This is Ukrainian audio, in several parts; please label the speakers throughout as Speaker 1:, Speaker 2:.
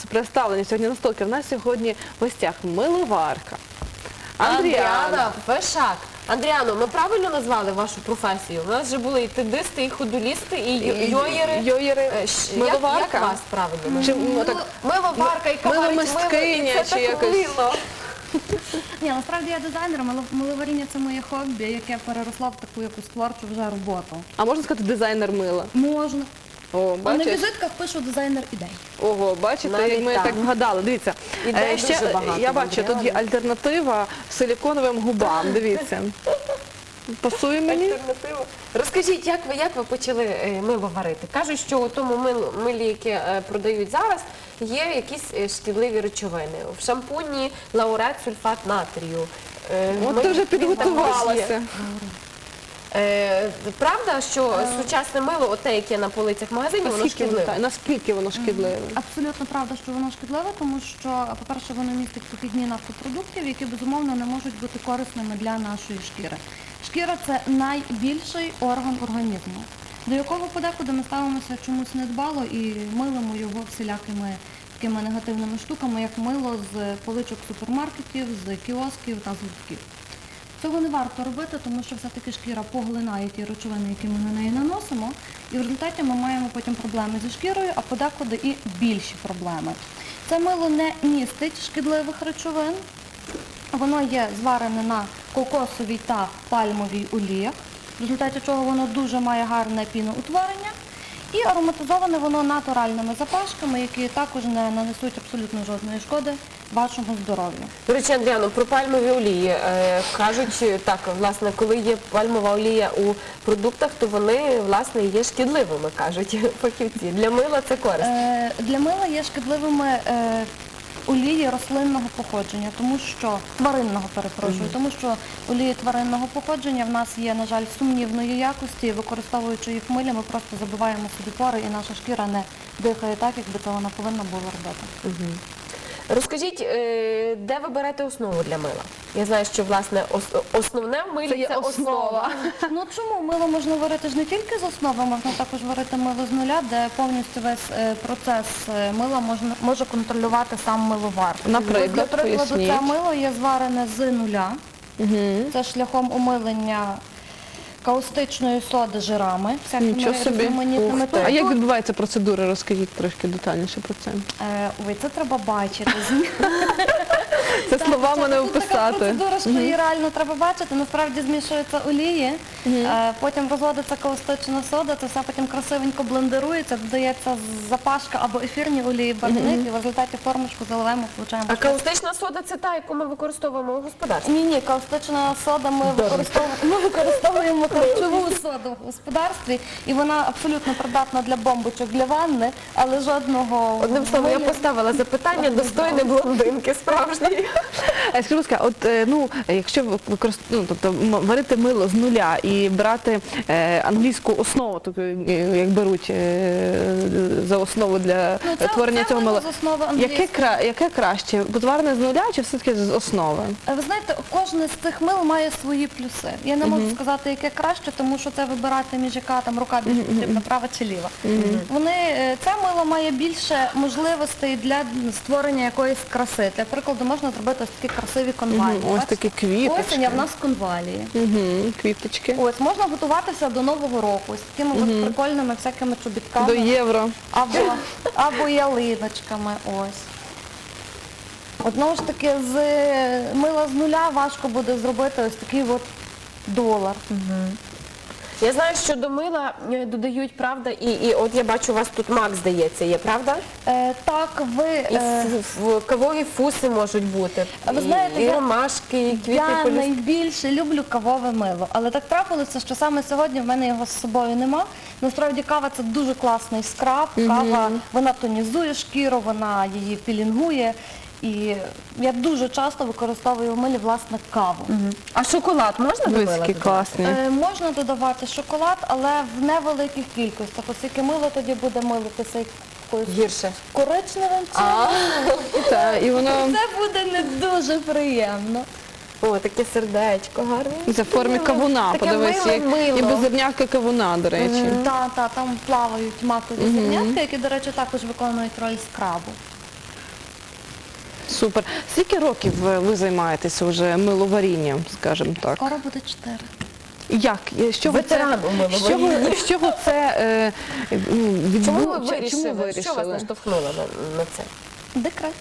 Speaker 1: представлені сьогодні на столки. В нас сьогодні в гостях миловарка.
Speaker 2: Андріана Пешак. Андріано, ми правильно назвали вашу професію? У нас вже були і тедисти, і ходулісти, і йоєри.
Speaker 1: Йоєри, миловарка.
Speaker 2: Як вас правильно?
Speaker 1: Чи, ну, так,
Speaker 2: Миловарка, яка варить
Speaker 1: миломисткиня,
Speaker 2: мило, і це
Speaker 1: чи
Speaker 2: так
Speaker 1: якось.
Speaker 2: мило.
Speaker 3: Ні, насправді я дизайнер, миловаріння – це моє хобі, яке переросло в таку якусь творчу вже роботу.
Speaker 1: а можна сказати дизайнер мила?
Speaker 3: Можна.
Speaker 1: О,
Speaker 3: А на
Speaker 1: бачиш?
Speaker 3: візитках пишу дизайнер ідей.
Speaker 1: Ого, бачите,
Speaker 2: Навіть
Speaker 1: як ми
Speaker 2: так.
Speaker 1: так вгадали. Дивіться,
Speaker 2: Ідей дуже багато
Speaker 1: я
Speaker 2: в
Speaker 1: бачу, тут є
Speaker 2: Андріани.
Speaker 1: альтернатива силіконовим губам. Дивіться. Пасує мені?
Speaker 2: Альтернатива. Розкажіть, як ви почали мило варити? Кажуть, що у тому милі, яке продають зараз, є якісь шкідливі речовини. В шампуні лаурет, сульфат натрію.
Speaker 1: От ти вже підготувалася.
Speaker 2: Правда, що сучасне мило, оте, яке на полицях магазинів, воно шкідливе?
Speaker 1: Наскільки воно шкідливе?
Speaker 3: Абсолютно правда, що воно шкідливе, тому що, по-перше, воно містить похідні нафтопродуктів, які, безумовно, не можуть бути корисними для нашої шкіри. Шкіра – це найбільший орган організму, до якого подекуди ми ставимося чомусь недбало і милимо його всілякими такими негативними штуками, як мило з поличок супермаркетів, з кіосків та з гуртків. Цього не варто робити, тому що все-таки шкіра поглинає ті речовини, які ми на неї наносимо, і в результаті ми маємо потім проблеми зі шкірою, а подекуди і більші проблеми. Це мило не містить шкідливих речовин, воно є зварене на кокосовій та пальмовій оліях, в результаті чого воно дуже має гарне піноутворення, і ароматизоване воно натуральними запашками, які також не нанесуть абсолютно жодної шкоди вашому здоров'ю.
Speaker 2: До речі, Андріано, про пальмові олії. Кажуть, так, власне, коли є пальмова олія у продуктах, то вони, власне, є шкідливими, кажуть фахівці. Для мила це корисно.
Speaker 3: Для мила є шкідливими олії рослинного походження, тому що тваринного, перепрошую, тому що олії тваринного походження в нас є, на жаль, сумнівної якості, і використовуючи їх в милі, ми просто забиваємо собі пори, і наша шкіра не дихає так, як би це вона повинна була робити.
Speaker 2: Розкажіть, де ви берете основу для мила? Я знаю, що, власне, основне в милі це основа.
Speaker 3: Ну чому? Мило можна варити ж не тільки з основи, можна також варити мило з нуля, де повністю весь процес мила може контролювати сам миловар.
Speaker 1: Наприклад,
Speaker 3: Для прикладу,
Speaker 1: поясніть.
Speaker 3: це мило є зварене з нуля, це шляхом умилення каустичної соди жирами,
Speaker 1: Нічого собі.
Speaker 3: різноманітними.
Speaker 1: А як відбувається процедура? Розкажіть трошки детальніше про це.
Speaker 3: Ой, це треба бачити.
Speaker 1: Це словами не
Speaker 3: Тут така
Speaker 1: описати.
Speaker 3: процедура, що її реально треба бачити. Насправді змішуються олії, потім розводиться каустична сода, це все потім красивенько блендерується, додається запашка або ефірні олії, барвник, і в результаті формочку заливаємо, получаємо.
Speaker 2: А каустична сода – це та, яку ми використовуємо у господарстві?
Speaker 3: Ні, каустична сода ми використовуємо харчову соду в господарстві, і вона абсолютно придатна для бомбочок, для ванни, але жодного...
Speaker 2: Одним словом, я поставила запитання достойне блондинки справжньої.
Speaker 1: Скажіть, будь ласка, от, якщо варити мило з нуля і брати англійську основу, таку, як беруть за основу для творення цього мила, яке краще? Зварене з нуля чи все-таки з основи?
Speaker 3: Ви знаєте, кожне з цих мил має свої плюси. Я не можу сказати, яке краще, тому що це вибирати між яка там рука більш потрібна, права чи ліва. Це мило має більше можливостей для створення якоїсь краси. Для прикладу, можна зробити ось такі красиві конвалії.
Speaker 1: Ось такі квіточки.
Speaker 3: Осінь, а в нас конвалії.
Speaker 1: Квіточки.
Speaker 3: Ось, можна готуватися до Нового року з такими от прикольними всякими чобітками.
Speaker 1: До євро.
Speaker 3: Або ялиночками, ось. Одного ж таки, з мила з нуля важко буде зробити ось такий от долар.
Speaker 2: Я знаю, що до мила додають, правда, і от я бачу, у вас тут мак, здається, є, правда?
Speaker 3: Так,
Speaker 2: І кавові фуси можуть бути,
Speaker 3: ви знаєте,
Speaker 2: і ромашки, і квіти
Speaker 3: я
Speaker 2: полюс.
Speaker 3: найбільше люблю кавове мило, але так трапилося, що саме сьогодні в мене його з собою нема. Насправді кава – це дуже класний скраб, кава, вона тонізує шкіру, вона її пілінгує. І я дуже часто використовую в милі, власне, каву.
Speaker 2: А шоколад можна до мила
Speaker 1: Виски
Speaker 2: додати?
Speaker 1: класні.
Speaker 3: Можна додавати шоколад, але в невеликих кількостях, оскільки мило тоді буде милитися якоюсь
Speaker 2: Гірше.
Speaker 3: коричневим
Speaker 1: Так, і воно
Speaker 3: це буде не дуже приємно.
Speaker 2: О, таке сердечко гарне.
Speaker 1: за формі кавуна,
Speaker 2: Таке
Speaker 1: подивись,
Speaker 2: миле
Speaker 1: як
Speaker 2: мило.
Speaker 1: і беззернятка кавуна, до речі.
Speaker 3: Там плавають макові зернятка, які, до речі, також виконують роль скрабу.
Speaker 1: Супер. Скільки років ви займаєтеся вже миловарінням, скажімо так?
Speaker 3: Скоро буде 4.
Speaker 1: Як? З чого
Speaker 2: Ветеран у миловарінні.
Speaker 1: з чого це
Speaker 2: Чому ви
Speaker 1: чому
Speaker 2: вирішили? Що вас наштовхнуло на це?
Speaker 3: Декрет.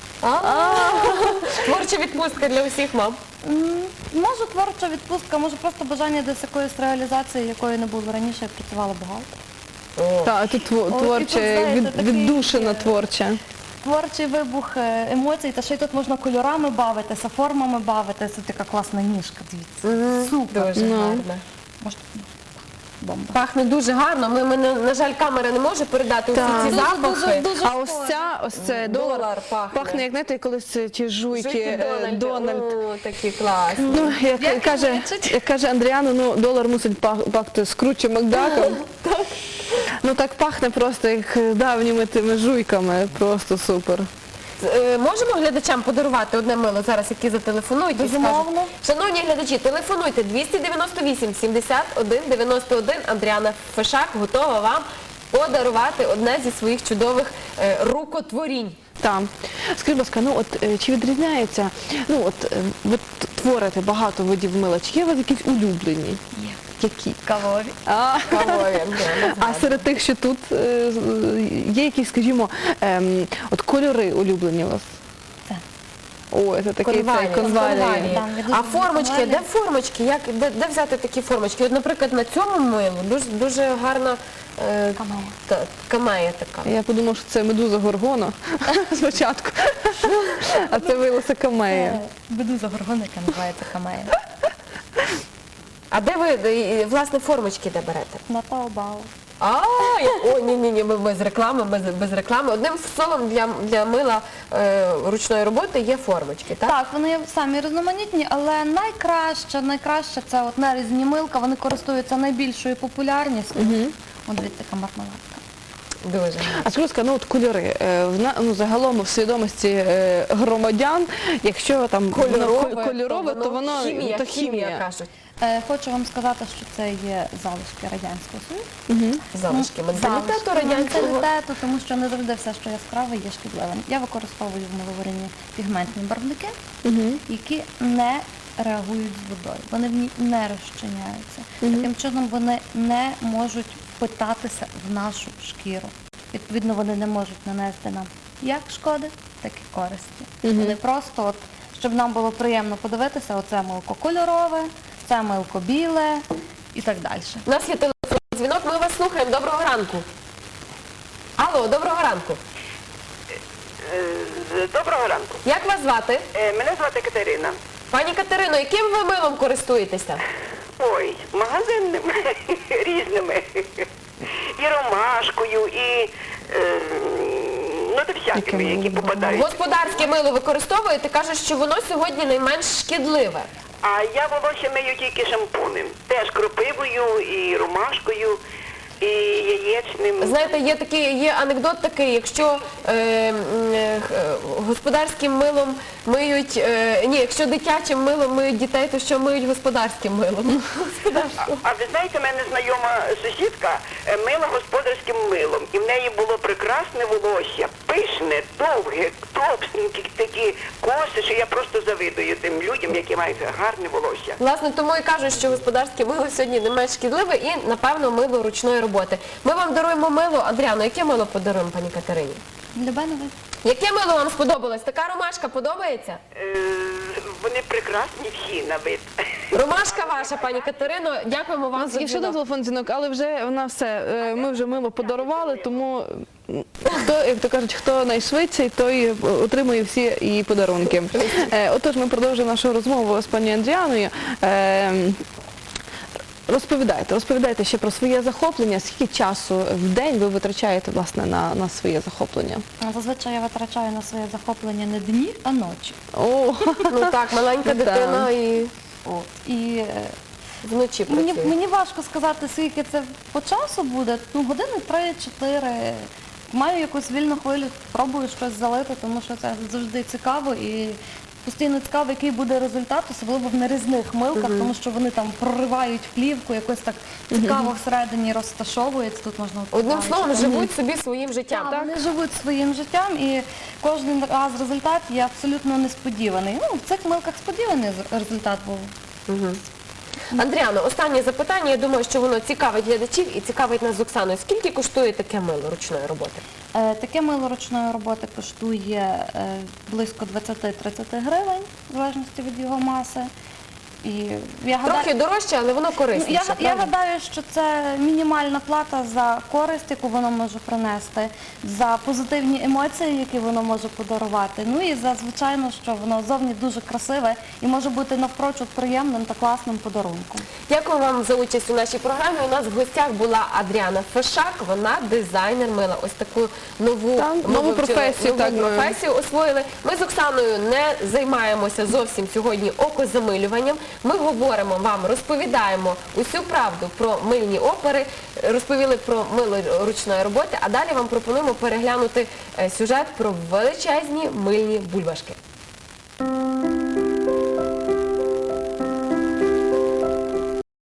Speaker 2: Творча відпустка для усіх мам.
Speaker 3: Може творча відпустка, може просто бажання десь якоїсь реалізації, якої не було раніше, я працювала бухгалтером.
Speaker 1: Так, тут творче,
Speaker 3: знаєте, такий,
Speaker 1: віддушина творча.
Speaker 3: Творчий вибух емоцій, та ще й тут можна кольорами бавитися, формами бавитися. Така класна ніжка, дивіться. Супер.
Speaker 2: Дуже гарно.
Speaker 3: Може, бомба.
Speaker 2: Пахне дуже гарно. Ми, на жаль, камера не може передати усі
Speaker 1: Так.
Speaker 2: ці
Speaker 3: Дуже,
Speaker 2: запахи.
Speaker 3: дуже
Speaker 1: А ось це
Speaker 2: Долар пахне.
Speaker 1: як, знаєте, колись ті жуйки
Speaker 2: Жуйки
Speaker 1: Дональд.
Speaker 2: О, такі класні.
Speaker 1: Ну, як каже Андріана, ну, долар мусить пахти скруче Макдаком. Ну, так пахне просто, як давніми тими жуйками. Просто супер.
Speaker 2: Можемо глядачам подарувати одне мило зараз, які зателефонують і
Speaker 3: Безумовно.
Speaker 2: скажуть. Шановні глядачі, телефонуйте 298 71 91. Андріана Фишак готова вам подарувати одне зі своїх чудових рукотворінь.
Speaker 1: Так. Скажіть, будь ласка, ну от чи відрізняється, ну от ви творите багато видів мила, чи є у вас якісь улюблені?
Speaker 3: Є.
Speaker 1: Які?
Speaker 3: Кавові.
Speaker 2: Кавові.
Speaker 1: А серед тих, що тут, є якісь, скажімо, от кольори улюблені у вас?
Speaker 3: Так.
Speaker 1: О, це такий
Speaker 2: Конвалії.
Speaker 1: конвалії.
Speaker 3: Там, я дуже
Speaker 2: А формочки,
Speaker 3: конвалії.
Speaker 2: де формочки? Де взяти такі формочки? От, наприклад, на цьому милу дуже гарна
Speaker 3: Камея.
Speaker 2: камея така.
Speaker 1: Я подумав, що це медуза Горгона спочатку, а це виявилося камея.
Speaker 3: Медуза горгона, яка називається камея.
Speaker 2: А де ви, власне, формочки де берете?
Speaker 3: На Таобао.
Speaker 2: Ні, ми без реклами. Одним словом, для мила ручної роботи є формочки, так?
Speaker 3: Так, вони самі різноманітні, але найкраще це от нарізні милка, вони користуються найбільшою популярністю. От дивіться, така мармеладка.
Speaker 2: Дуже гарно.
Speaker 1: А скажіть, будь ласка, ну от кольори, загалом в свідомості громадян, якщо там кольорове, то воно
Speaker 2: хімія, кажуть.
Speaker 3: Хочу вам сказати, що це є залишки Радянського Союзу.
Speaker 2: Залишки менталітету
Speaker 3: Залишки
Speaker 2: радянського.
Speaker 3: менталітету, тому що не завжди все, що яскраве, є шкідливим. Я використовую в миловарінні пігментні барвники, які не реагують з водою. Вони в ній не розчиняються. Таким чином вони не можуть впитатися в нашу шкіру. Відповідно, вони не можуть нанести нам як шкоди, так і користі. Вони просто, от, щоб нам було приємно подивитися, оце милко кольорове, це милко біле і так далі.
Speaker 2: У нас є телефонний дзвінок, ми вас слухаємо. Доброго ранку. Алло, доброго ранку.
Speaker 4: Доброго ранку.
Speaker 2: Як вас звати?
Speaker 4: Мене звати Катерина.
Speaker 2: Пані Катерино, яким ви милом користуєтеся?
Speaker 4: Ой, магазинними, різними. І ромашкою, і всякими, які попадають.
Speaker 2: Господарське мило використовуєте, кажуть, що воно сьогодні найменш шкідливе.
Speaker 4: А я волосся мию тільки шампунем. Теж кропивою, і ромашкою, і яєчним.
Speaker 2: Знаєте, є анекдот такий, якщо господарським милом миють, якщо дитячим милом миють дітей, то що миють господарським милом?
Speaker 4: А ви знаєте, в мене знайома сусідка мила господарським милом. І в неї було прекрасне волосся, пишне, довге, товстенькі такі коси, що я просто завидую тим людям, які мають гарне волосся.
Speaker 2: Власне, тому і кажуть, що господарське мило сьогодні не менш шкідливе і, напевно, мило ручної роботи. Ми вам даруємо мило. Адріано, яке мило подаруємо пані Катерині?
Speaker 3: Любенове.
Speaker 2: Яке мило вам сподобалось? Така ромашка подобається?
Speaker 4: Вони прекрасні всі на вид.
Speaker 2: Ромашка ваша, пані Катерино. Дякуємо вам за
Speaker 1: Є ще один
Speaker 2: дзвінок.
Speaker 1: телефон дзвінок, але вже вона все, ми вже мило подарували, тому хто, як то кажуть, хто найшвидший, той отримує всі її подарунки. Отож, ми продовжуємо нашу розмову з пані Андріаною. Розповідайте ще про своє захоплення, скільки часу в день ви витрачаєте, власне, на своє захоплення?
Speaker 3: Зазвичай я витрачаю на своє захоплення не дні, а ночі.
Speaker 1: О,
Speaker 2: Ну так, маленька дитина і
Speaker 3: І
Speaker 2: вночі працює.
Speaker 3: мені важко сказати, скільки це по часу буде. Ну, години 3-4. Маю якусь вільну хвилю, пробую щось залити, тому що це завжди цікаво і постійно цікаво, який буде результат, особливо в нарізних милках, тому що вони там проривають плівку, якось так цікаво всередині розташовується. Тут можна
Speaker 2: Одним
Speaker 3: бачити.
Speaker 2: словом, живуть собі своїм життям, так?
Speaker 3: Вони живуть своїм життям, і кожен раз результат є абсолютно несподіваний. Ну, в цих милках сподіваний результат був.
Speaker 2: Андріано, останнє запитання. Я думаю, що воно цікавить глядачів і цікавить нас з Оксаною. Скільки коштує таке мило ручної роботи?
Speaker 3: Таке мило ручної роботи коштує близько 20-30 гривень, в залежності від його маси. І я
Speaker 2: Трохи дорожче, але воно корисніше,
Speaker 3: я
Speaker 2: правда?
Speaker 3: гадаю, що це мінімальна плата за користь, яку воно може принести, за позитивні емоції, які воно може подарувати. Ну і за, звичайно, що воно зовні дуже красиве і може бути навпрочуд приємним та класним подарунком.
Speaker 2: Дякую вам за участь у нашій програмі. У нас в гостях була Адріана Фешак, вона дизайнер мила. Ось таку нову професію освоїли. Ми з Оксаною не займаємося зовсім сьогодні окозамилюванням. Ми говоримо вам, розповідаємо усю правду про мильні опери, розповіли про мило ручної роботи, а далі вам пропонуємо переглянути сюжет про величезні мильні бульбашки.